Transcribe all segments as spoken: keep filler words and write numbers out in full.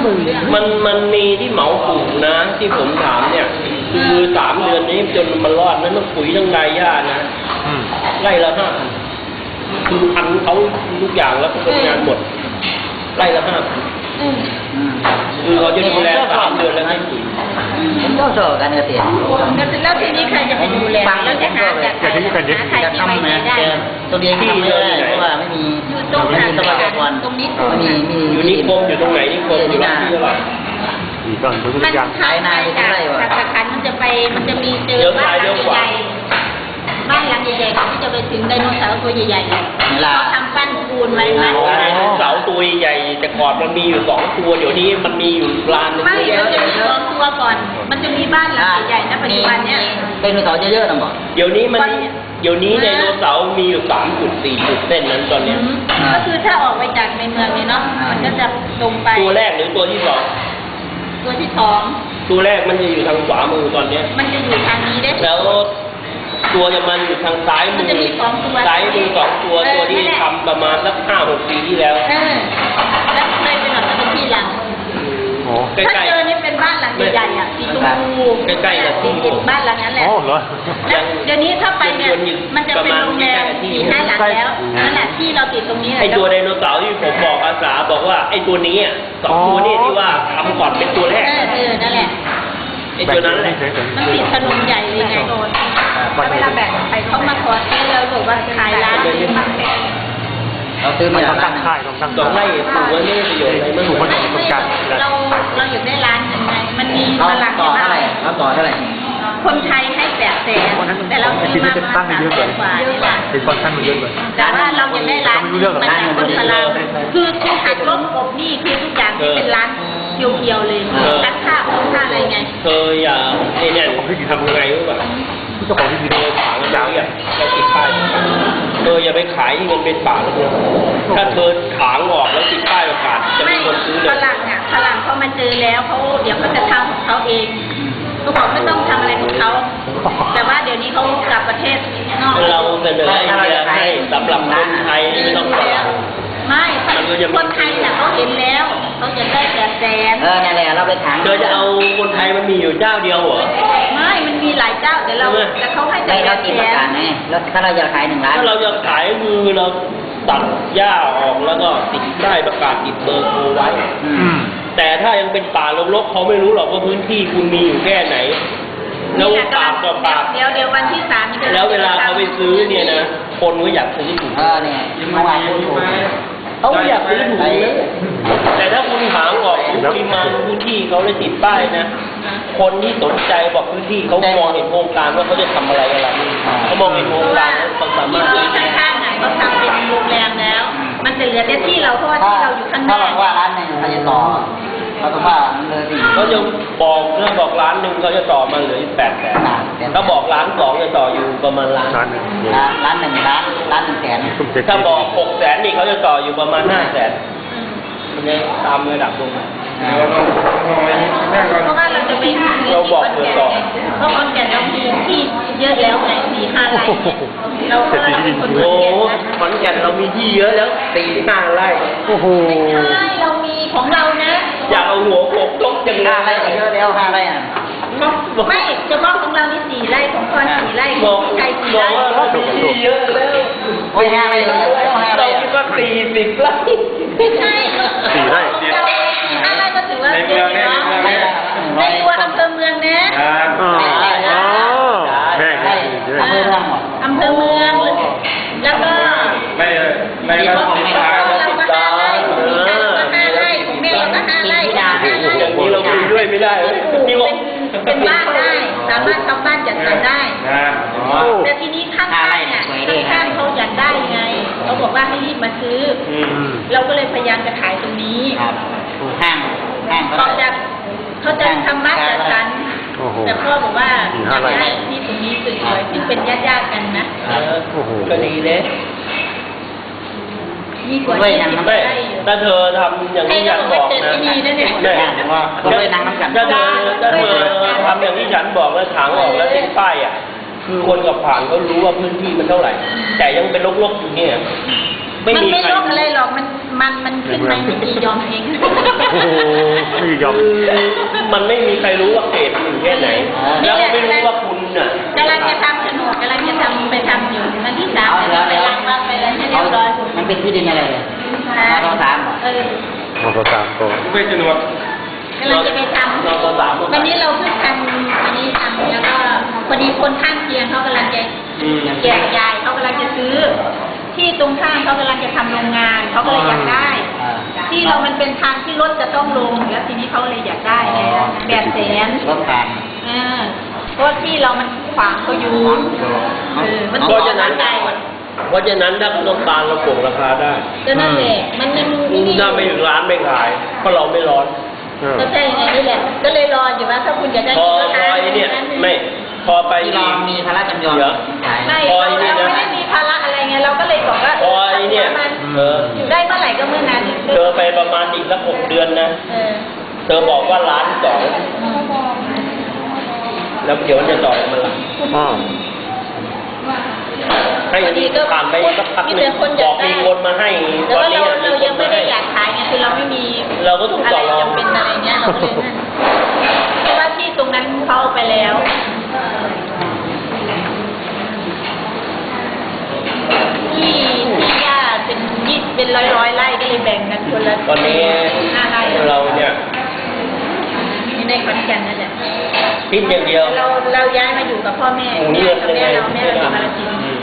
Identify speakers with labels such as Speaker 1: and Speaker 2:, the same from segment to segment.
Speaker 1: มันมันมีที่เหมาปลูกนะที่ผมถามเนี่ยคือสามเดือนนี้จนมันรอดนั้นต้องปุ๋ยต้องรายหญ้านะไร่ละห้าพันคือพันเขาทุกอย่างแล้วก็เป็นงานหมดไร่ละห้าพันคือเขาจะดูแลสามเดือนแล้วให้ปุ๋ย
Speaker 2: ผมก็สอบการเกษตร
Speaker 3: แล้วทีนี้ใครจะไปดูแลแล้วจะหาจากใครหาใครที่ไว้ใจได้
Speaker 2: ตัวเองที่ไม่ได้เพราะว่าไม่มีไม่มีทรัพยากร
Speaker 3: ตรงนี้
Speaker 2: ไม่มีมี
Speaker 1: อยู่นิคมอยู่ตรงไหนนิคมอยู่ร้านที่อะไร
Speaker 4: มีก่อนทุกอย่าง
Speaker 3: ภายในจากสาขามันจะไปมันจะมีเจอบ้านหลังใหญ่บ้านหลังใหญ่ๆที่จะไปถึงไดโนเสาร์ตัวใหญ่ๆเขาทำปั้นปูนไว้ไหม
Speaker 1: ไดโนเสาร์ตัวใหญ่แต่ก่อนมันมีอยู่สองตัวเดี๋ยวนี้มันมีอยู่ลานนึง
Speaker 3: ไม่มันจะมีสองตัวก่อนมันจะมีบ้านหลังใหญ่ๆนะปัจจุบันเนี้ย
Speaker 2: ไดโนเสาร์เยอะๆนะบอก
Speaker 1: เดี๋ยวนี้มันเดี๋ยวนี้ไดโนเสาร์มีอยู่สามจุดสี่จุดเส้นนั้นตอนนี้
Speaker 3: ก็คือถ้าออกไปจากในเมืองนี่เนาะมันก็จะตรงไป
Speaker 1: ตัวแรกหรือตัวที่สอง
Speaker 3: ตัวที่สอง
Speaker 1: ตัวแรกมันจะอยู่ทางขวามือตอนนี้
Speaker 3: มันจะอยู่ทางนี้ได้
Speaker 1: แล้วตัวจะมันอยู่ทางซ้ายมือซ้ายมือสองตัวตัวที่ทำประมาณสักห้าหกปีที่แล้ว
Speaker 3: เออแล้วเคยไปหน่อยมันเป็นที่หลังถ้าเจอนี่เป็นบ้านหลังใหญ่ๆอ่ะสีชมพู
Speaker 1: ใกล้ๆกับที่
Speaker 3: ผมบ้านหลังนั้นแหละแล้วเดี๋ยวนี้ถ้าไปเนี่ยมันจะเป็นโรงแรมสี่ห้าหลังแล้วนั่นแหละที่เราติดตรงนี้
Speaker 1: ไอตัวไดโนเสาร์ที่ผมบอกอาสาบอกว่าไอตัวนี้อ่ะสองตัวนี้ที่ว่าทำก่อนเป็นตัวแรก
Speaker 3: เออเออนั่นแหละ
Speaker 1: ไอตัวนั้นแหละ
Speaker 3: มันติดถนนใหญ่เลยไงโดนแล้วเวลาแบ่งใครเขามาขอซื้อเราบอกว่าขายร้านนี้มันเป็น
Speaker 2: เราซื้อมา
Speaker 4: ตั้งค่าย
Speaker 1: ต้องตั้งสองไร่ปลูกไว้ไม่ประโยชน์อะไรมัน
Speaker 4: ปลูกมันอยู่ตรงกลาง
Speaker 3: เราเราอยากได้ร้านยังไงมันมี
Speaker 2: พลังต่อเท่าไหร่เราต่อเท่าไหร่
Speaker 3: คนไทยให้แปดแสนแต่เราซื้อมาประมาณสามแสนกว่านี่แหละ
Speaker 4: เป็นคอนชั่นมันเยอะเลย
Speaker 3: แต่ว่าเราอยากได้ร้านมันเป็นคนพลังคือคือหักลบกบนี่คือทุกอย่างที่เป็นร้านเพียวๆเลยรักค่าคุ้มค่าอะไรไง
Speaker 1: เคยอย่าไอ้เนี่ยทำไงรู้ป่ะ
Speaker 4: เจ้าของที่ดิน
Speaker 1: เลยขายยาวเนี่ยเราติดป้ายเธออย่าไปขายที่มันเป็นป่าเลยถ้าเธอถางออกแล้วติดป้ายประกาศจะมีคนซื้อเลย
Speaker 3: พลังอ่ะพลังเขามาเจอแล้วเขาเดี๋ยวเขาจะทำของเขาเองทุกคนไม่ต้องทำอะไรของเขาแต่ว่าเดี๋ยวนี้เขากลับประเทศนอก
Speaker 1: เราเสนอไอเดียให้สำหรับคนไทยไม่ต้องรอ
Speaker 3: ไม่คนไทยเนี่ยเขาเห็นแล้วเขาจะได้แปดแสน
Speaker 2: เออนั่นแหละเราไปถาม
Speaker 1: เธอจะเอาคนไทยมันมีอยู่เจ้าเดียวเหรอ
Speaker 3: ไม่มันมีหลายเจ้าเดี๋ยวเราแต่เขาให้แต่แปดแสน
Speaker 2: ไงแล้วถ้าเราจะขายหนึ่งล้าน
Speaker 1: ถ้าเราจะขายคือเราตัดหญ้าออกแล้วก็ติดได้ประกาศติดเบอร์โทรไว้แต่ถ้ายังเป็นป่ารกๆเขาไม่รู้หรอกว่าพื้นที่คุณมีอยู่แค่ไหนแล้วปากต่อปาก
Speaker 3: เดี๋ยวเดี๋ยววันที่สาม
Speaker 1: แล้วเวลาเขาไปซื้อเนี่ยนะคนก็อยากซื้อถูก
Speaker 2: เออเนี่ยเมื่อวานคุณถูก
Speaker 1: เขาอยากซื้อถูกเลยแต่ถ้าคุณถางออกปริมาณพื้นที่เขาเลยติดป้ายนะคนที่สนใจบอกพื้นที่เขามองเห็นโครงการว่าเขาจะทำอะไรอะไรเขามองเห็นโครงการเขาสามารถ
Speaker 3: ที่ข้างๆไหนเขาทำเป็นโรงแรมแล้วมันจะเหลือแต่ที่เราเพราะว่าที่เราอยู่ข้างหน้า
Speaker 2: ถ้าบอกว่าร้านหนึ่งเขาจะต่อเขาต้องว่าเลยสิ
Speaker 1: เขาจะบอกเรื่องบอกร้านหนึ่งเขาจะต่อมาเหลือแปดแสนถ้าบอกร้านสองจะต่ออยู่ประมาณล้าน
Speaker 4: หนึ่ง
Speaker 2: ร้านหนึ่งร้านร้านหนึ่งแสน
Speaker 1: ถ้าบอกหกแสนนี่เขาจะต่ออยู่ประมาณห้าแสนมันจะตามระดับลงมา
Speaker 3: เพราะว่าเราจะไป
Speaker 1: เราบอกเผื่อต่อ
Speaker 3: เพราะคนแก่เรามีที่เยอะแล้วไงสี่ห้าไร่เราเราเป็นคน
Speaker 1: โอ้ขอนแก่นเรามีที่เยอะแล้วสี่ห้าไร่
Speaker 4: โอ้โห
Speaker 3: ไม่ใช่เรามีของเรานะ
Speaker 1: อยากเอาหัวโขกตกจัง
Speaker 2: ห้าไร่เยอะแล้วห้าไร่อ่ะ
Speaker 3: ไม่เฉพาะของเรานี่สี่ไร่ของพ่อสี่ไร่ของพี่ชายสี่ไร่
Speaker 1: เรามีที่เยอะแล้ว
Speaker 2: โอ้ยห้าไร่เรา
Speaker 1: เราคิดว่าสี่สิบไร่
Speaker 3: ไม่ใช่
Speaker 4: สี่ไร่
Speaker 3: ห้าไร่ก็ถือว่าเยอะเนาะในตัวอำเภอเมืองนะ
Speaker 4: แม่
Speaker 2: อำเภอเมือง
Speaker 3: อำเภอเมืองแล้วก็
Speaker 1: ไม่ไม่ก็ของเรา
Speaker 3: เราก็ห้าไร่ของพี่ชายก็ห้าไร่ของแม่เราก็ห้าไร่
Speaker 1: อย่างนี้เราคุยด้วยไม่ได้นี่บอก
Speaker 3: เป็นบ้านได้สามารถทำบ้านจัดสรรได้แต่ทีนี้ข้างๆเนี่ยข้างๆเขาอยากได้ไงเขาบอกว่าให้รีบมาซื้อเราก็เลยพยายามจะขายตรงนี้
Speaker 2: ห้างห้าง
Speaker 3: เขาจะเขาจะทำบ้านจัดสรรแต่พ่อบอกว่าอยากได้ที่ตรงนี้สวยๆซึ่งเป็นญาติๆกันนะ
Speaker 1: ก็ดีเลย
Speaker 3: มีกว่าที่จะได้
Speaker 1: ถ้าเธอทำอย่างที่ฉันบอกนะ
Speaker 2: แม่ว่าเขาเลยนั่งน้ำกัน
Speaker 1: ถ้าเธอถ้าเธอทำอย่างที่ฉันบอกแล้วถางออกแล้วติดป้ายอ่ะคือคนกับผ่านเขารู้ว่าพื้นที่มันเท่าไหร่แต่ยังเป็นรกๆอยู่เนี่ย
Speaker 3: มันไม่รกอะไรหรอกมันมันมันขึ้นไหมไม่กี่ยอมเอง
Speaker 4: โอ้โหไม่ยอม
Speaker 1: คือมันไม่มีใครรู้ว่าเกรดอยู่แค่ไหน แล้วก็ไม่รู้ว่าคุณน่ะ
Speaker 3: กำลังจะทำโฉนดกำลังจะทำไปทำอยู่วันที่สามจะไปล้างบ้านไปอะไรให้เรียบร้อย
Speaker 2: มันเป็นที่ดินอะไรเลย
Speaker 3: นะ
Speaker 2: มอสามเหรอ
Speaker 3: เออ
Speaker 4: มอเตอร์สามตัว
Speaker 5: ไม่สนุก
Speaker 3: กำลังจะไปทำ
Speaker 1: เราก็สามคน
Speaker 3: วันนี้เราเพิ่งทำวันนี้ทำแล้วก็พอดีคนข้างเคียงเขากำลังจะ
Speaker 1: อืม
Speaker 3: แจกยายเขากำลังจะซื้อ ที่ตรงข้างเขากำลังจะทำโรงงานเขาก็เลยอยากได้
Speaker 2: อ่า
Speaker 3: ที่เรามันเป็นทางที่รถจะต้องลงแล้วทีนี้เขาเลยอยากได้ไงแบบแสน
Speaker 2: รถผ่าน
Speaker 3: เออเพราะที่เรามันขวางเขาอยู่เออมัน
Speaker 1: เพราะฉะนั้น
Speaker 3: ไกล
Speaker 1: เพราะฉะนั้นถ้าต้องการเราโกงราคาได้
Speaker 3: ก็นั่นแหละมันมันนี่นี่
Speaker 1: ถ้าไม่ถึงร้านไม่ขาย เพราะเราไม่ร้อน
Speaker 4: เออ
Speaker 3: ก็ใช่ไงนี่แหละ ก็เลยรออยู่ว่าถ้าคุณอยากได้
Speaker 1: พอ
Speaker 3: ก็
Speaker 1: พอ
Speaker 3: ทาน
Speaker 1: ไอ้เนี่ยไม่พอไป
Speaker 2: ที่เรามีภาระจำยอม
Speaker 1: เดี๋ยว
Speaker 2: ขาย
Speaker 3: ไม่
Speaker 1: พอ
Speaker 3: เรา
Speaker 1: ไอ้นี่
Speaker 3: เรา
Speaker 1: นะ
Speaker 3: ไม่ได้มีภาระอะไรไงเราก็เลยบอกว่า
Speaker 1: พอไอ้เนี่ย
Speaker 3: มัน
Speaker 1: เออ
Speaker 3: อยู่ได้เมื่อไหร่ก็เมื่อนั้น
Speaker 1: เธอไปประมาณอีกสักหกเดือนนะ
Speaker 3: เออ
Speaker 1: เธอบอกว่าล้านสองแล้วเดี๋ยวมันจะต่อยมันละ
Speaker 4: อ๋อ
Speaker 1: ให้ผ่านไปสักพักหนึงบอกมีคนมาให้
Speaker 3: แต่
Speaker 1: ตอน
Speaker 3: ว่า
Speaker 1: นี้
Speaker 3: เราเรา
Speaker 1: มีค
Speaker 3: ยั
Speaker 1: น
Speaker 3: ง
Speaker 1: มา
Speaker 3: ไม่ได้
Speaker 1: ให้
Speaker 3: อยากขายไงคือเราไม่มี
Speaker 1: เราก็ต้อง
Speaker 3: อะ
Speaker 1: ต่
Speaker 3: ไร
Speaker 1: อรอง
Speaker 3: จำเป็นอะไรเงี้ยเราก็เลยนั่นเพราะว่าที่ตรงนั้นเขาเอาไปแล้วที่ที่ย่าเป็นยี่เป็นร้อยร้อยๆไร่ก็เลยแบ่งกันคนละ
Speaker 1: ตอนนี้
Speaker 3: ห้าไร่
Speaker 1: เราเนี่ย
Speaker 3: ในขอนแก่นนั่นแหละ
Speaker 1: พิ้นอย่างเดียว
Speaker 3: เราเราย้ายมาอยู่กับพ่อแม่
Speaker 1: หมูนี่
Speaker 3: แม่
Speaker 1: ยัง
Speaker 3: กับ
Speaker 1: ไง
Speaker 3: แม่เราแม่เราอยู่กาฬสินธุ์
Speaker 1: อืม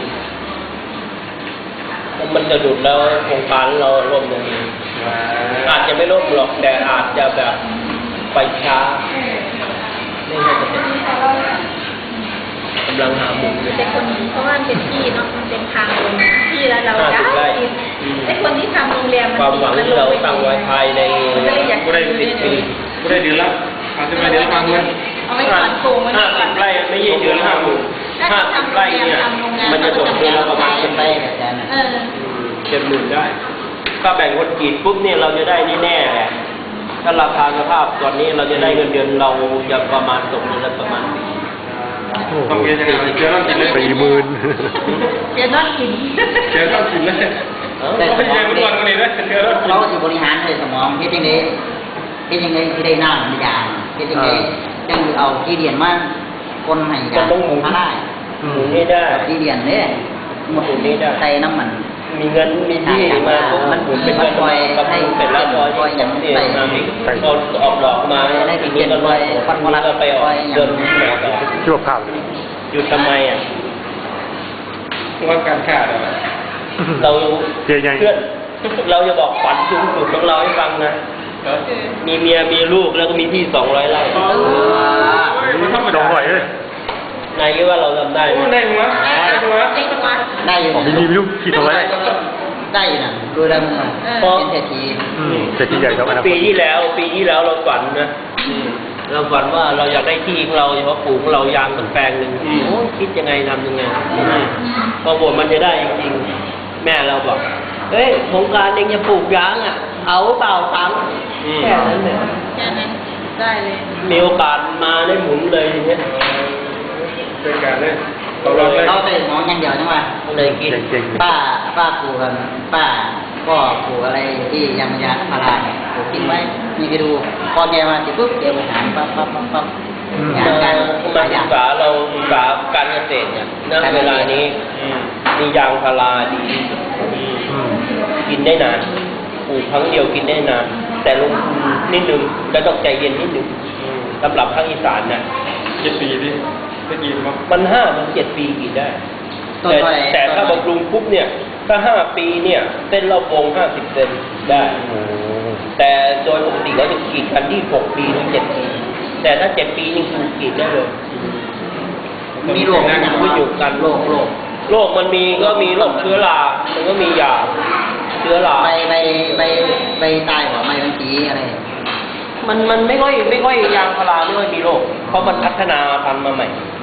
Speaker 1: มันจะดุดแล้วโครงการเราล่มอย่างนี้อาจจะไม่ล่มหรอกแต่อาจจะแบบไปช้าไม่ใช่จะเป็นกำลังหามุมเลย
Speaker 3: เป็นคนเพราะว่ามันเป็นที่เนาะมันเป็นทางลงที่แล้วเรา
Speaker 1: ห้าสิบไร่
Speaker 3: ติด
Speaker 1: อืม
Speaker 3: ไอ้คนที่ทำโรงแรมมัน
Speaker 1: ความหวัง
Speaker 3: ติด
Speaker 1: ที่เราตั้งไว้ภายใน
Speaker 3: มันก็เลยอยาก
Speaker 5: ไม่ได้
Speaker 3: อยู่
Speaker 5: สิบ
Speaker 3: ด้วย
Speaker 5: ปี
Speaker 3: เนี่ย
Speaker 5: ไม่ได้เดือนละอาจจะไม่เดือนละพันเงิน
Speaker 3: เอาไว้ก่อนโกงไว้
Speaker 1: ห้า
Speaker 3: ก่
Speaker 1: สิ
Speaker 3: อน
Speaker 1: บไร่ไม่ใช่เดือนห้าหมื่นห้าสิบไร่เนี่ยมันจะตกเดือนละประมาณ
Speaker 2: เป็นไปแบบนั้น
Speaker 3: เออ
Speaker 1: เจ็ดหมื่นได้ ถ้าแบ่งคนกรีดปุ๊บเนี่ยเราจะได้แน่ๆแหละถ้าราคาสภาพตอนนี้เราจะได้เงินเดือนเราจะประมาณตกเดือนละประมาณ
Speaker 5: ต้องเรียนยังไงเจอต้องกินเลย
Speaker 4: สี่หมื่น
Speaker 3: เดี๋ยวนอนกิน
Speaker 5: เจอต้องกินเลย
Speaker 2: แต่
Speaker 5: ไม่ใช่ทุกวันนี้นะเจอต้องกิน
Speaker 2: เขาสิบริหารเลยสมองเฮ็ดยังไงเฮ็ดยังไงที่ได้น้ำมันยางเฮ็ดยังไงจังเอาที่เรียนมาคนให้ยางพาได้
Speaker 1: หมุนไม่ได้
Speaker 2: ที่เรียนเนี่ยหมดนี้ใส่น้ำมัน
Speaker 1: มีเงินมีที่มามันหมุนเป็นเงินมากับหมุนเป็นละร้อยที่สองเดือนมาอีกพอออกดอกมาทีนี้ก็ร้อยปันวันก็ไปออกเดือนที่ไหนต่อ
Speaker 4: ชั่วข้าวเลย
Speaker 1: หยุดทำไมอ่ะ
Speaker 5: ว่าการขาดอ่ะ
Speaker 1: เรา
Speaker 4: เจ๊ยัง
Speaker 1: เพื่อนเราจะบอกฝันสูงสุดของเราให้ฟังนะ มีเมียมีลูกแล้วก็มีที่สองร้อยไร่
Speaker 5: มันธรรม
Speaker 4: ดอ
Speaker 5: ดาง
Speaker 4: หน่อยเลย
Speaker 1: นายคิดว่าเราทำได้ไหม
Speaker 5: ได้หัวได้หัว
Speaker 3: ไอ้ตัว
Speaker 2: ได้อยู่
Speaker 4: มีมีลูกขี่ตัวไว้
Speaker 2: ได้อยู่นะดูแล้วมันเป็นเศรษฐี
Speaker 4: อืมเศรษฐีใหญ่ครับอนาค
Speaker 1: ปี
Speaker 4: ต
Speaker 1: ที่แล้ว ปีที่แล้วเราฝันนะเราฝันว่าเราอยากได้ที่ของเราเฉพาะปลูกของเรายางสักแปลงหนึ่งโอ้คิดยังไงทำยังไงพอบทมันจะได้จริงๆแม่เราบอกเฮ้ยโครงการเองจะปลูกยางอ่ะ เอาเปล่าตังค์แค่นั้นเนี่ย
Speaker 3: แค่นั้นได้เลย
Speaker 1: มีโอกาสมาได้หมุนเลยทีเนี่ย
Speaker 5: เป็นการเลยตลอดเลย
Speaker 2: เขาเป็นน้องอย่างเดียวใช่ไหม
Speaker 1: เลยกิน
Speaker 4: เก่ง
Speaker 2: ป้าป้าปลูกกันป้าก็ปลูกอะไรที่ยังยาพาราเนี่ยปลูกทิ้งไว้นี่ไปดูพอแกมาเสร็จปุ๊บเดี๋ยวไปหาปั๊บปั๊บปั๊บปั๊บ
Speaker 1: มา
Speaker 2: การ
Speaker 1: มาศึกษาเราศึกษาการเกษตรเนี่ยณเวลานี้มียางพาราดีที่สุด
Speaker 4: ๆอืม
Speaker 1: กินได้นานปลูกครั้งเดียวกินได้นาน แต่ลงทุนนิดนึงและต้องใจเย็นนิดนึงสำหรับภาคอีสานนะ
Speaker 5: เจ็ดปีดิได้กินมั้ง
Speaker 1: มันห้ามันเจ็ดปีกินได้
Speaker 2: ต้น
Speaker 1: แต่
Speaker 2: เท่าไหร่
Speaker 1: แต่ถ้าบำรุงปุ๊บเนี่ย ถ้าห้าปีเนี่ยเส้นเราโปงห้าสิบเซนได้
Speaker 4: โอ้
Speaker 1: แต่โดยปกติเราจะกรีดกันที่หกปีถึงเจ็ดปี แต่ถ้าเจ็ดปีนี่คือกรีดได้เลย
Speaker 2: มีโรคนะ
Speaker 1: ขึ้นอยู่กัน
Speaker 2: โรคโรค
Speaker 1: โรคมันมีก็มีโรคเชื้อรา มันก็มียาเชื้อรา
Speaker 2: ใบใบใบใบตายหัวใบมันสีอะไร
Speaker 1: มันมันไม่ค่อยไม่ค่อยยางพาราไม่ค่อยมีโรค เพราะมันพัฒนาพันธุ์มาใหม่